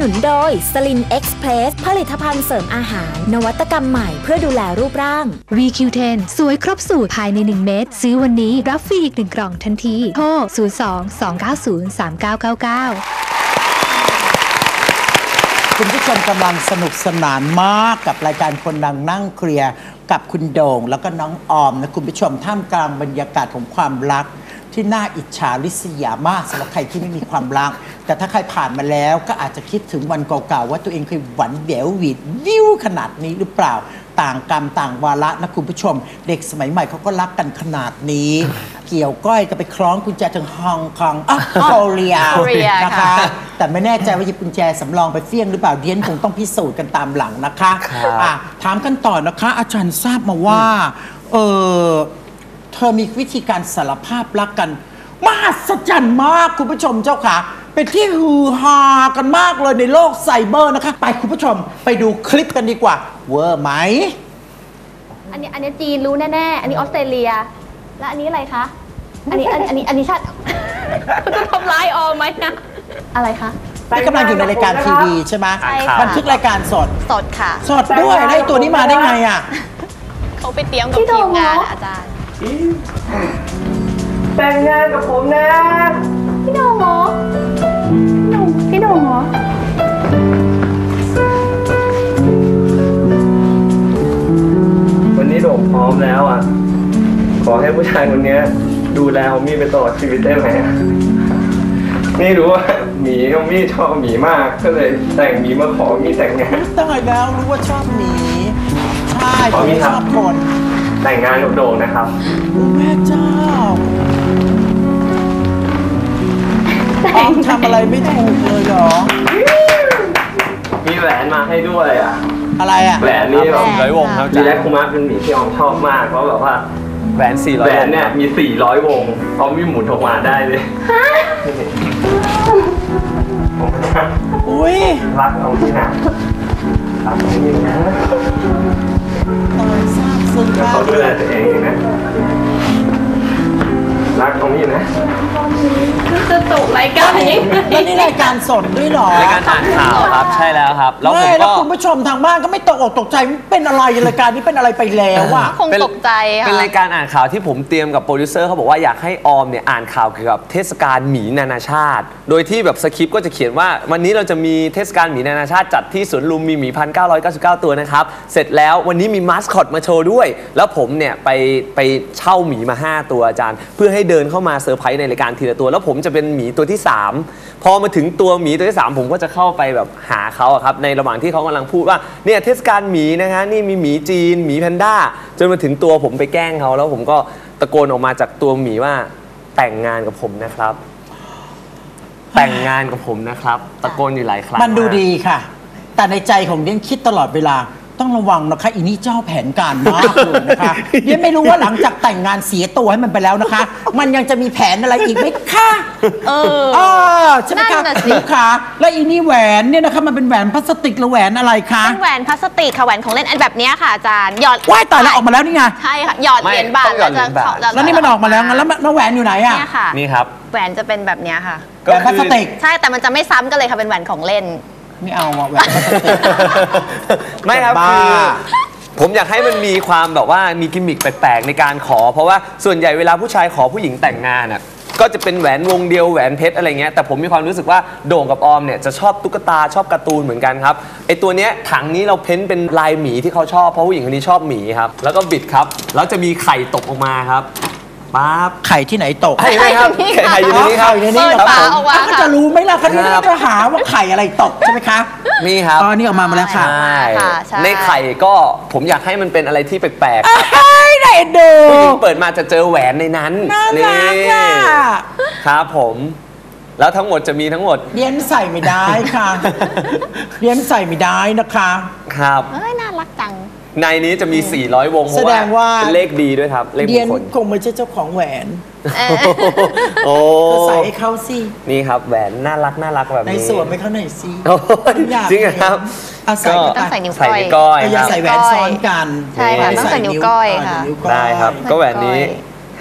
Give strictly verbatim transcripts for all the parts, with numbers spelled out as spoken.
นุนโดยสลินเอ็กซ์เพรสผลิตภัณฑ์เสริมอาหารนวัตกรรมใหม่เพื่อดูแลรูปร่าง วี คิว เท็น สวยครบสูตรภายในหนึ่งเม็ดซื้อวันนี้รับฟรีอีกหนึ่งกล่องทันทีโทรศูนย์ สอง สอง เก้า ศูนย์ สาม เก้า เก้า เก้าคุณผู้ชมกำลังสนุกสนานมากกับรายการคนดังนั่งเคลียร์กับคุณโด่งแล้วก็น้องออมนะคุณผู้ชมท่ามกลางบรรยากาศของความรักที่น่าอิจฉาริษยามากสำหรับใครที่ไม่มีความรักแต่ถ้าใครผ่านมาแล้วก็อาจจะคิดถึงวันเก่าๆว่าตัวเองเคยหวันแหววหวีดวิวขนาดนี้หรือเปล่าต่างกรรมต่างวาระนะคุณผู้ชมเด็กสมัยใหม่เขาก็รักกันขนาดนี้เกี่ยวก้อยก็ไปคล้องกุญแจถึงฮองกงอ่ะโคเรียนะคะแต่ไม่แน่ใจว่าหยิบกุญแจสำรองไปเฟี้ยงหรือเปล่าเดียนคงต้องพิสูจน์กันตามหลังนะคะอ่ะถามกันต่อนะคะอาจารย์ทราบมาว่าเออเธอมีวิธีการสารภาพรักกันมหัศจรรย์มากคุณผู้ชมเจ้าค่ะเป็นที่ฮือฮากันมากเลยในโลกไซเบอร์นะคะไปคุณผู้ชมไปดูคลิปกันดีกว่าเวอร์ไหมอันนี้อันนี้จีนรู้แน่ๆอันนี้ออสเตรเลียและอันนี้อะไรคะอันนี้อันนี้อันนี้อันนี้ชาติคุณจะทำร้ายออมไหมนะอะไรคะนี่กำลังอยู่ในรายการทีวีใช่ไหมใช่ค่ะบันทึกรายการสดสดค่ะสดด้วยได้ตัวนี้มาได้ไงอ่ะเขาไปเตรียมกับทีมงานอาจารย์แต่งงานกับผมนะพี่โด่งเหรอพี่โด่งเหรอวันนี้โด่งพร้อมแล้วอ่ะขอให้ผู้ชายคนนี้ดูแลฮอมมี่ไปตลอดชีวิตได้ไหมนี่รู้ว่าหมีฮอมมี่ชอบหมีมากก็เลยแต่งหมีมาขอหมีแต่งงานตั้งแต่แล้วรู้ว่าชอบหมีใช่ผมชอบคนแต่งงานกับโด่งนะครับแม่เจ้าออมทำอะไรไม่ถูกเลยหรอมีแหวนมาให้ด้วยอ่ะอะไรอ่ะแหวนนี่แบบร้อยวงครับมีแลคคูมาเป็นหมีที่ออมชอบมากเพราะแบบว่าแหวนสี่ร้อยแหวนเนี่ยมีสี่ร้อยวงออมวิ่งหมุนออกมาได้เลยอุ้ยรักเอาที่ไหนรักเอาที่ไหนตอนทราบซึ้งมากเขาดูแลตัวเองนะรักตรงนี้นะจะตกรายการยังไงแล้วนี่รายการสดด้วยหรอรายการอ่านข่าวครับใช่แล้วครับแล้วผมก็คุณผู้ชมทางบ้านก็ไม่ตกอกตกใจเป็นอะไรรายการนี้เป็นอะไรไปแล้วอ่ะคงตกใจค่ะเป็นรายการอ่านข่าวที่ผมเตรียมกับโปรดิวเซอร์เขาบอกว่าอยากให้ออมเนี่ยอ่านข่าวเกี่ยวกับเทศกาลหมีนานาชาติโดยที่แบบสคริปต์ก็จะเขียนว่าวันนี้เราจะมีเทศกาลหมีนานาชาติจัดที่สวนลุมมีหมีพันเก้าร้อยเก้าสิบเก้าตัวนะครับเสร็จแล้ววันนี้มีมาสคอตมาโชว์ด้วยแล้วผมเนี่ยไปไปเช่าหมีมาห้าตัวอาจารย์เพื่อให้เดินเข้ามาเซอร์ไพรส์ในรายการทีละตัวแล้วผมจะเป็นหมีตัวที่สามพอมาถึงตัวหมีตัวที่สามผมก็จะเข้าไปแบบหาเขาอะครับในระหว่างที่เขากำลังพูดว่าเนี่ยเทศกาลหมีนะฮะนี่มีหมีจีนหมีแพนด้าจนมาถึงตัวผมไปแกล้งเขาแล้วผมก็ตะโกนออกมาจากตัวหมีว่าแต่งงานกับผมนะครับแต่งงานกับผมนะครับตะโกนอยู่หลายครั้งมันดูดีค่ะแต่ในใจของเดียนคิดตลอดเวลาต้องระวังนะคะอีนี่เจ้าแผนการมากเลยนะคะเดียนไม่รู้ว่าหลังจากแต่งงานเสียตัวให้มันไปแล้วนะคะมันยังจะมีแผนอะไรอีกไหมคะเออเออใช่ไหมคะนี่ค่ะแล้วอีนี่แหวนเนี่ยนะคะมันเป็นแหวนพลาสติกหรือแหวนอะไรคะเป็นแหวนพลาสติกค่ะแหวนของเล่นอันแบบนี้ค่ะอาจารย์หยอดว่ายต่อแล้วออกมาแล้วนี่ไงใช่ค่ะหยอดเหรียญบาทแล้วจะแล้วนี่มันออกมาแล้วงั้นแล้วแหวนอยู่ไหนอ่ะนี่ค่ะนี่ครับแหวนจะเป็นแบบนี้ค่ะแหวนพลาสติกใช่แต่มันจะไม่ซ้ำกันเลยค่ะเป็นแหวนของเล่นไม่เอาแหวนพลาสติกไม่ครับคือผมอยากให้มันมีความแบบว่ามีกิมมิคแปลกๆในการขอเพราะว่าส่วนใหญ่เวลาผู้ชายขอผู้หญิงแต่งงานอ่ะก็จะเป็นแหวนวงเดียวแหวนเพชรอะไรเงี้ยแต่ผมมีความรู้สึกว่าโด่งกับออมเนี่ยจะชอบตุ๊กตาชอบการ์ตูนเหมือนกันครับไอตัวเนี้ยถังนี้เราเพ้นเป็นลายหมีที่เขาชอบเพราะผู้หญิงคนนี้ชอบหมีครับแล้วก็บิดครับแล้วจะมีไข่ตกออกมาครับปั๊บไข่ที่ไหนตกไข่ไหมครับไข่อยู่ในนี้ครับอยู่ในนี้ครับผมก็จะรู้ไหมล่ะคันนี้จะหาว่าไข่อะไรตกใช่ไหมคะนี่ครับอ๋อนี่ออกมามาแล้วค่ะในไข่ก็ผมอยากให้มันเป็นอะไรที่แปลกๆไหนดูผู้หญิงเปิดมาจะเจอแหวนในนั้นนี่ครับผมแล้วทั้งหมดจะมีทั้งหมดเลี้ยนใส่ไม่ได้ค่ะเลี้ยนใส่ไม่ได้นะคะครับเอ้ยน่ารักจังในนี้จะมีสี่ร้อยวงเพราะว่าเป็นเลขดีด้วยครับเลขมงคลคงไม่ใช่เจ้าของแหวนโอ้ใส่ให้เขาสินี่ครับแหวนน่ารักน่ารักแบบนี้ในสวมให้เขาหน่อยสิจริงครับก็ต้องใส่นิ้วก้อยอย่าใส่แหวนซ้อนกันใช่ค่ะต้องใส่นิ้วก้อยค่ะได้ครับก็แหวนนี้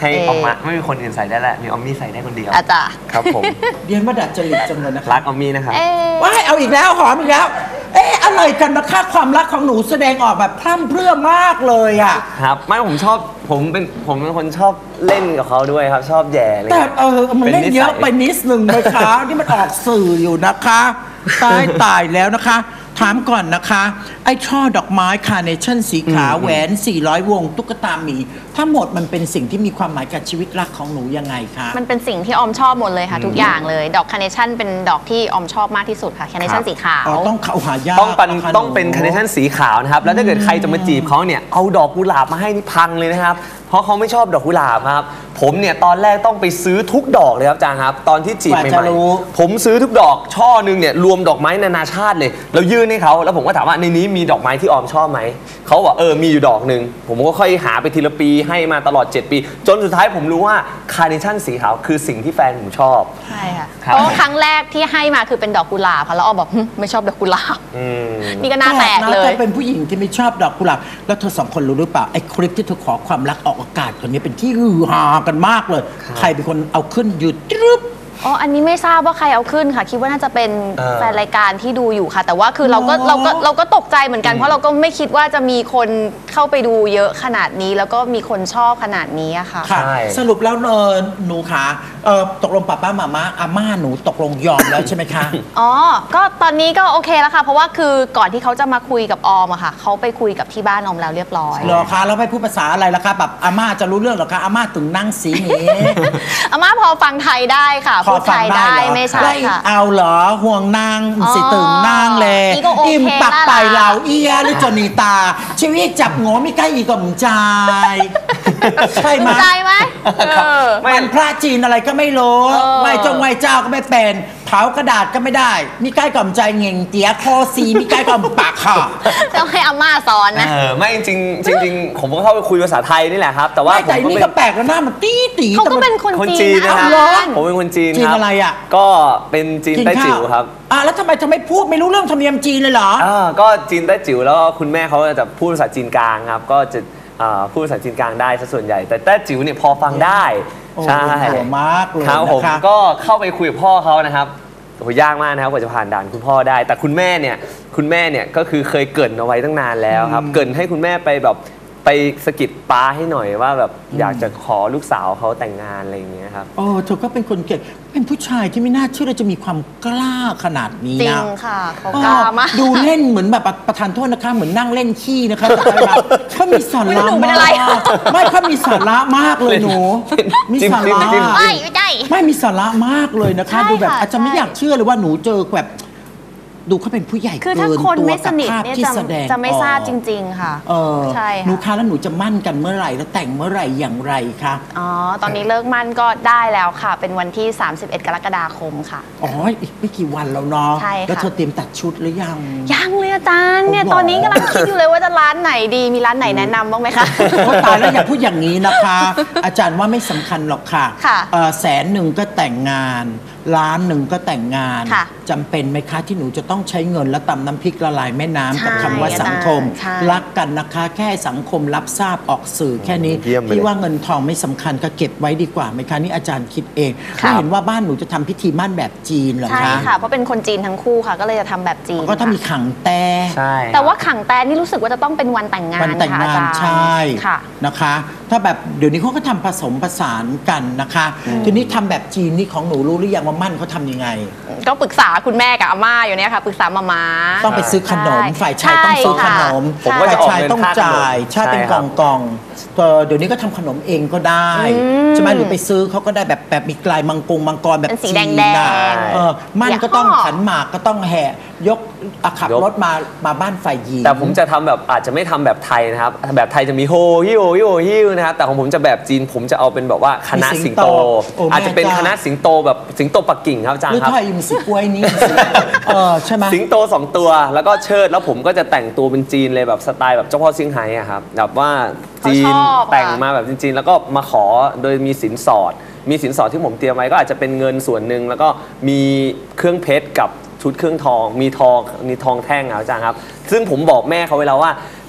ให้ออกมาไม่มีคนอื่นใส่ได้แหละมีออมมี่ใส่ได้คนเดียวอาจารย์ครับผมเรียนว่าดัดจริตจังเลยนะคะรักออมมี่นะครับเอ๊ะว้ายเอาอีกแล้วหอมอีกแล้ว เอ๊ะอะไรกันนะคะความรักของหนูแสดงออกแบบพร่ำเพรื่อมากเลยอ่ะครับไม่ผมชอบผมเป็นผมเป็นคนชอบเล่นกับเขาด้วยครับชอบแย่อะไรแต่เงี้ยเออมันเล่นเยอะไปป็นนิสันิดนึงนะคะ ที่มันออกสื่ออยู่นะคะตายตายแล้วนะคะ ถามก่อนนะคะ ไอ้ช่อดอกไม้คาร์เนชั่นสีขาวแหวน สี่ร้อย วง ตุ๊กตาหมีทั้งหมดมันเป็นสิ่งที่มีความหมายกับชีวิตรักของหนูยังไงคะมันเป็นสิ่งที่ออมชอบหมดเลยค่ะ ทุกอย่างเลย ดอกคาร์เนชั่นเป็นดอกที่ออมชอบมากที่สุดค่ะคาร์เนชั่นสีขาวอ๋อต้องเขาหายากต้องเป็นะคะต้องเป็นหคาร์เนชั่นสีขาวนะครับแล้วถ้าเกิดใครจะมาจีบเขาเนี่ยเอาดอกกุหลาบมาให้นี่พังเลยนะครับเพราะเขาไม่ชอบดอกกุหลาบครับผมเนี่ยตอนแรกต้องไปซื้อทุกดอกเลยครับอาจารย์ครับตอนที่จีบกว่าใหจะม่รู้ๆผมซื้อทุกดอกช่อหนึงเนี่ยรวมดอกไม้นานาชาติเลยแล้วยื่นให้เขาแล้วผมก็ถามว่าในนี้มีดอกไม้ที่ออมชอบไหมเขาบอกเออมีอยู่ดอกหนึ่งผมก็ค่อยหาไปทีละปีให้มาตลอดเจ็ดปีจนสุดท้ายผมรู้ว่าคาร์เนชั่นสีขาวคือสิ่งที่แฟนผมชอบใช่ค่ะครับเพราะว่าครั้งแรกที่ให้มาคือเป็นดอกกุหลาบค่ะแล้วออมบอกหึไม่ชอบดอกกุหลาบอืมนี่ก็หน้าแตกเลนะยแต่เป็นผู้หญิงที่ไม่ชอบดอกกุหลาบแล้วเธอสองคนรู้หรือเปล่าไอ้คลิปที่เธอขอความรักออกอากาศคนนี้เป็นที่ฮือฮากันมากเลย ใครเป็นคนเอาขึ้นหยุดตรึบอ๋อ อันนี้ไม่ทราบว่าใครเอาขึ้นค่ะ คิดว่าน่าจะเป็นเออแฟนรายการที่ดูอยู่ค่ะ แต่ว่าคือเราก็อ๋อเราก็เราก็ตกใจเหมือนกัน เพราะเราก็ไม่คิดว่าจะมีคนเข้าไปดูเยอะขนาดนี้ แล้วก็มีคนชอบขนาดนี้อะค่ะค่ะใช่สรุปแล้วเออหนูขาเออตกลงป้าป้ามาม่าอาม่าหนูตกลงยอมแล้วใช่ไหมคะอ๋อ ก็ตอนนี้ก็โอเคแล้วค่ะ เพราะว่าคือก่อนที่เขาจะมาคุยกับออมอะค่ะเขาไปคุยกับที่บ้านออมแล้วเรียบร้อยเหรอคะแล้วไม่พูดภาษาอะไรล่ะคะแบบอาม่าจะรู้เรื่องเหรอคะอาม่าถึงนั่งสีนี้อาม่าพอฟังไทยได้ค่ะ พูดไทยได้เหรอไม่ใช่ไล่ค่ะเอาเหรอห่วงนางอ๋อสิตึงนางเลยอีก็โอเคมปักละไปเหล่าเอียหรือจนีตา ชีวิตจับโง่ไม่ใกล้อีกกับจายใช่ไหมใจไหมเออมันพระจีนอะไรก็ไม่รู้เออไหวจงไหวเจ้าก็ไม่เป็นเผากระดาษก็ไม่ได้ มีใกล้กับใจเง่งเตี๋ยคอซีมีใกล้กับปากค่ะต้องให้อาม่าสอนนะเออไม่จริงๆจริงๆผมก็เข้าไปคุยภาษาไทยนี่แหละครับ แต่ว่าไม่ผมแต่ก็นี่เป็ก็นแปลกแล้วหน้ามันตีตีเขาก็เป็นคนคนจีจีนนนะคนะรับอาจารย์ผมเป็นคนจีนจีนครับอะไรอ่ะก็เป็นจีนกินใต้ข้าจิ๋วครับอ่ะแล้วทำไมจะไม่พูดไม่รู้เรื่องธรรมเนียมจีนเลยเหรออ่าก็จีนใต้จิ๋วแล้วก็คุณแม่เขาจะพูดภาษาจีนกลางครับก็จะอ่าพูดภาษาจีนกลางได้ซะส่วนใหญ่ แต่ใต้จิ๋วเนี่ยพอฟังได้โอ้ใช่โหมากเลยครับผมนะคะก็เข้าไปคุยกับพ่อเขานะครับโหยากมากนะครับกว่าจะผ่านด่านคุณพ่อได้ แต่คุณแม่เนี่ยคุณแม่เนี่ยก็คือเคยเกริ่นเอาไว้ตั้งนานแล้วครับเกริ่นให้คุณแม่ไปแบบไปสะกิดป้าให้หน่อยว่าแบบอยากจะขอลูกสาวเขาแต่งงานอะไรอย่างเงี้ยครับโอ้เธอก็เป็นคนเก่งเป็นผู้ชายที่ไม่น่าเชื่อเลยจะมีความกล้าขนาดนี้จรินะงค่ะเขากล้ามากดูเล่นเหมือนแบบประธานโทษนะคะ เหมือนนั่งเล่นขี้นะคะแต่แบบเขามีสาไม่ระหนูเป็นมาอะไรกไม่เขามีสาระมากเลยหนู มีสาจิ้มระจิ้มจิ้มไม่ไม่ได้ไม่มีสาระมากเลยนะคะใช่ดูแบบค่ะอาจจะไม่ใช่อยากเชื่อเลยว่าหนูเจอแบบดูเขาเป็นผู้ใหญ่คือเกิถ้านคนตัวไม่สกับนิทภาพเนี่ยที่จะแสดงจะไม่ทราบออกจริง ๆ ค่ะเออใช่หนูค่ะคะแล้วหนูจะมั่นกันเมื่อไหร่แล้วแต่งเมื่อไหร่อย่างไรคะอ๋อ ตอนนี้เลิกมั่นก็ได้แล้วค่ะ เป็นวันที่ สามสิบเอ็ด กรกฎาคมค่ะอ๋ออีกไม่กี่วันแล้วเนาะใช่ค่ะแล้วเธอเตรียมตัดชุดหรือยังยังเลยอาจารย์เนี่ยโอ้โหตอนนี้กำลังคิดอยู่เลยว่าจะร้านไหนดี มีร้านไหนแนะนำบ้างไหมคะโอ้ตายแล้วอย่าพูดอย่างนี้นะคะ อาจารย์ว่าไม่สำคัญหรอกค่ะค่ะเอ่อแสนหนึ่งก็แต่งงาน ล้านหนึ่งก็แต่งงานค่ะจำเป็นไหมคะที่หนูจะต้องใช้เงินและตำน้ำพริกละลายแม่น้ำกับใช่คำว่าสังคมใช่รักกันนะคะ แค่สังคมรับทราบออกสื่อแค่นี้เยี่ยมไปเลยพี่ว่าเงินทองไม่สำคัญก็เก็บไว้ดีกว่าไหมคะนี่อาจารย์คิดเองครับไม่เห็นว่าบ้านหนูจะทำพิธีมั่นแบบจีนเหรอใช่คะค่ะ เพราะเป็นคนจีนทั้งคู่ค่ะ ก็เลยจะทำแบบจีนก็ถ้ามีค่ะขังแต่ใช่แต่ว่าขังแตนนี่รู้สึกว่าจะต้องเป็นวันแต่งงานวันแต่งงานค่ะอจรย์ใช่ค่ะนะคะ ถ้าแบบเดี๋ยวนี้เขาก็ทำผสมผสานกันนะคะ ทีนี้ทำแบบจีนนี่ของหนูรู้หรือยังว่ามั่นเขาทำยังไงก็ปรึกษาคุณแม่กับอาม่าอยู่เนี่ยค่ะ ปรึกษามาม่าต้องไปซื้อขนมใช่ฝ่ายชายต้องซื้อขนมผมก็จะออกฝ่ายชายเงินต้องค่าขนมจ่ายใช่เป็นใช่คกรัล่บองกล่องๆเออเดี๋ยวนี้ก็ทำขนมเองก็ได้ใช่ไหมหรือไปซื้อเขาก็ได้แบบแบบมีกลายมังกรมังกรแบบเป็นสีจีนแดงๆน่ะเออมั่นอย่าก็ต้องห่อขันหมากก็ต้องแห่ยกอ่ะขับยกรถมามาบ้านฝ่ายหญิงแต่ผมจะทำแบบอาจจะไม่ทำแบบไทยนะครับ แบบไทยจะมีโฮฮิโอฮิโอฮิวนะครับ แต่ของผมจะแบบจีนผมจะเอาเป็นแบบว่าคณะมีสิสิงงโตโตโอ้แม่อาจจะเป็นจ้าคณะสิงโตแบบสิงโตปักกิ่งครับอาจารหรือย์ครับถ้าอิมสิกล้วยนี่สิเออใช่ไหมสิงโตสองตัวแล้วก็เชิดแล้วผมก็จะแต่งตัวเป็นจีนเลยแบบสไตล์แบบเจ้าพ่อเซี่ยงไฮ้อะครับแบบว่าจีนเขาชอบอะแต่งมาแบบจีนๆแล้วก็มาขอโดยมีสินสอด มีสินสอดที่ผมเตรียมไว้ก็อาจจะเป็นเงินส่วนหนึ่งแล้วก็มีเครื่องเพชรกับชุดเครื่องทอง มีทองมีทองแท่งอะอาจารย์ครับซึ่งผมบอกแม่เขาไว้แล้วว่า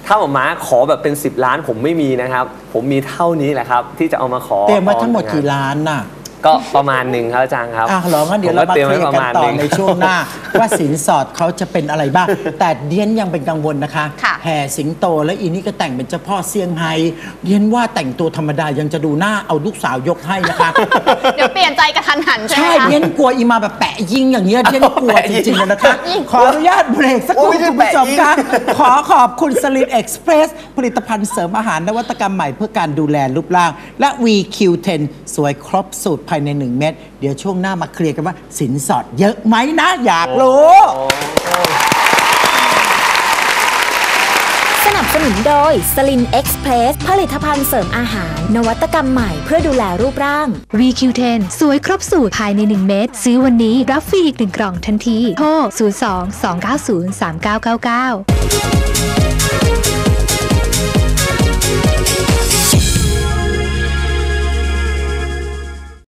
ถ้าหมอม้าขอแบบเป็นสิบล้านผมไม่มีนะครับ ผมมีเท่านี้แหละครับ ที่จะเอามาขอเตรียมไว้ทั้งหมดกี่ล้านน่ะก็ประมาณหนึ่งครับอาจารย์ครับอ่ะเหรองั้นเดี๋ยวเรามาเคลียร์กันต่อในช่วงหน้า ว่าสินสอดเขาจะเป็นอะไรบ้าง แต่เดียนยังเป็นกังวลนะคะค่ะแห่สิงโตและอีนี่ก็แต่งเป็นเจ้าพ่อเซี่ยงไฮ้เดียนว่าแต่งตัวธรรมดายังจะดูหน้าเอาลูกสาวยกให้นะคะเดี๋ยวเปลี่ยนใจกระทันหันใช่ไหมใช่คะเดียนกลัวอีมาแบบแปะยิงอย่างเงี้ยเดียนกลัวจริงๆเลยนะคะ ขออนุญาตเบรกสักครู่โอ้ยไม่ใช่คุณผู้ชมแปะยิงคะขอขอบคุณสลิดเอ็กซ์เพรสผลิตภัณฑ์เสริมอาหารนวัตกรรมใหม่เพื่อการดูแลรูปร่าง และ วี คิว เท็น สวยครบสูตรภายในหนึ่งเม็ดเดี๋ยวช่วงหน้ามาเคลียร์กันว่าสินสอดเยอะไหมนะ อยากรู้สนับสนุนโดยสลินเอ็กซ์เพรสผลิตภัณฑ์เสริมอาหาร นวัตกรรมใหม่เพื่อดูแลรูปร่าง วี คิว เท็น สวยครบสูตรภายในหนึ่งเม็ดซื้อวันนี้รับฟรีอีกหนึ่งกล่องทันทีโทรศูนย์ สอง สอง เก้า ศูนย์ สาม เก้า เก้า เก้า